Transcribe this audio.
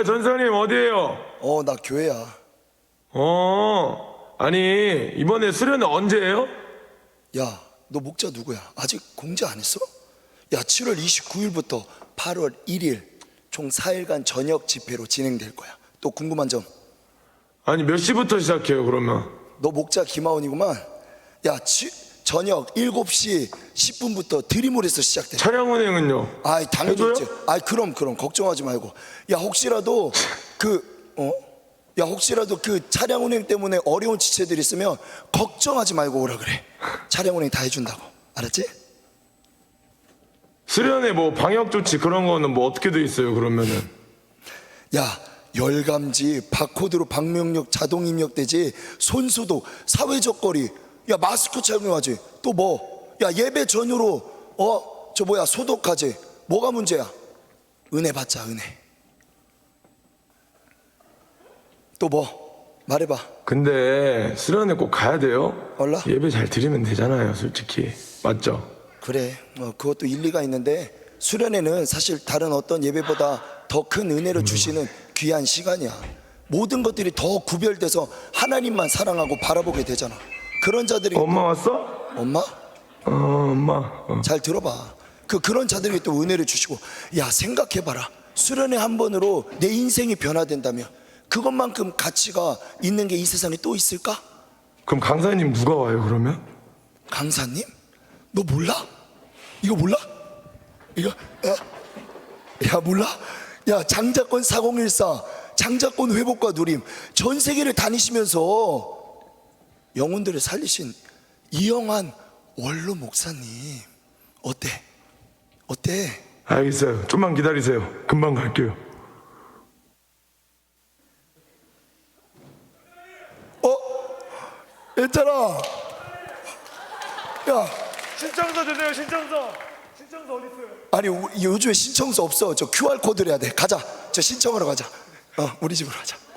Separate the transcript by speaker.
Speaker 1: 전사님 어디에요?
Speaker 2: 나 교회야.
Speaker 1: 아니 이번에 수련회 언제예요?
Speaker 2: 야, 너 목자 누구야? 아직 공지 안 했어? 야, 7월 29일부터 8월 1일 총 4일간 저녁 집회로 진행될 거야. 또 궁금한 점?
Speaker 1: 아니 몇 시부터 시작해요 그러면?
Speaker 2: 너 목자 김하온이구만. 야, 저녁 7시 10분부터 드림홀에서 시작돼.
Speaker 1: 차량 운행은요?
Speaker 2: 아이, 당연히
Speaker 1: 해줘요?
Speaker 2: 있지. 아이, 그럼 걱정하지 말고. 야, 혹시라도 혹시라도 그 차량 운행 때문에 어려운 지체들 있으면 걱정하지 말고 오라 그래. 차량 운행 다 해준다고. 알았지?
Speaker 1: 수련회 뭐 방역 조치 그런 거는 뭐 어떻게 돼 있어요 그러면은?
Speaker 2: 야, 열감지, 바코드로 방명록 자동 입력되지, 손소독, 사회적 거리, 야, 마스크 착용하지. 또 뭐? 야, 예배 전후로 소독하지. 뭐가 문제야? 은혜 받자, 은혜. 또 뭐? 말해봐.
Speaker 1: 근데 수련회 꼭 가야 돼요?
Speaker 2: 얼라?
Speaker 1: 예배 잘 드리면 되잖아요 솔직히. 맞죠?
Speaker 2: 그래, 그것도 일리가 있는데 수련회는 사실 다른 어떤 예배보다 더 큰 은혜를 주시는 귀한 시간이야. 모든 것들이 더 구별돼서 하나님만 사랑하고 바라보게 되잖아. 그런 자들이
Speaker 1: 엄마 왔어?
Speaker 2: 엄마?
Speaker 1: 엄마
Speaker 2: 잘 들어봐. 그런 자들에게 또 은혜를 주시고. 야, 생각해봐라. 수련회 한 번으로 내 인생이 변화된다면 그것만큼 가치가 있는 게 이 세상에 또 있을까?
Speaker 1: 그럼 강사님 누가 와요 그러면?
Speaker 2: 강사님? 너 몰라? 이거 몰라? 이거 야 몰라? 야, 장자권 4014 장자권 회복과 누림 전 세계를 다니시면서 영혼들을 살리신 이영환 원로 목사님 어때?
Speaker 1: 알겠어요. 좀만 기다리세요. 금방 갈게요.
Speaker 2: 얘들아, 야,
Speaker 3: 신청서 주세요. 신청서 어디 있어요?
Speaker 2: 아니 요즘에 신청서 없어. 저 QR코드를 해야 돼. 가자. 저 신청하러 가자. 우리 집으로 가자.